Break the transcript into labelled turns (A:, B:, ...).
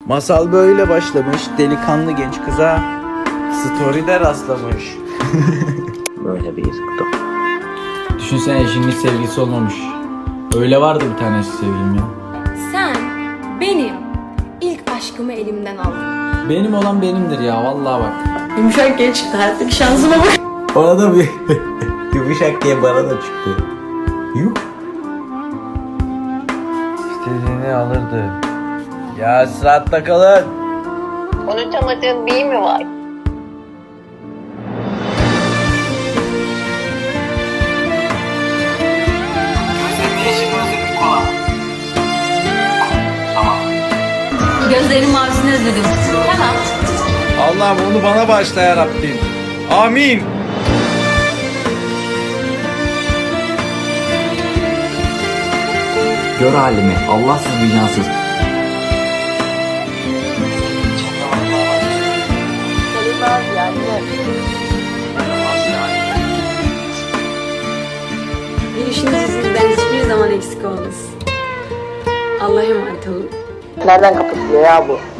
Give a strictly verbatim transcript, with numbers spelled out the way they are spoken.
A: Masal böyle başlamış. Delikanlı genç kıza story'de rastlamış.
B: Böyle bir kutu.
C: Düşünsene eşinin hiç sevgilisi olmamış. Öyle vardı bir tane eski sevgilim ya.
D: Sen benim ilk aşkımı elimden aldın.
C: Benim olan benimdir ya vallahi bak.
D: Yumuşak genç çıktı, hayattaki şansıma bak.
C: Bana da bir yumuşak diye bana da çıktı. Yuh.
A: İstediğini alırdı. Ya sıratta kalın.
E: Unutamadığın bir mi var?
D: Gözlerim mavisini özledim. Tamam.
A: Allah'ım onu bana bağışla ya Rabbim. Amin.
B: Gör halimi. Allahsız vicdansız.
D: Gelişiniz yüzünden hiçbir zaman eksik olmasın. Allah'a emanet olun.
E: Nereden kapatılıyor ya bu?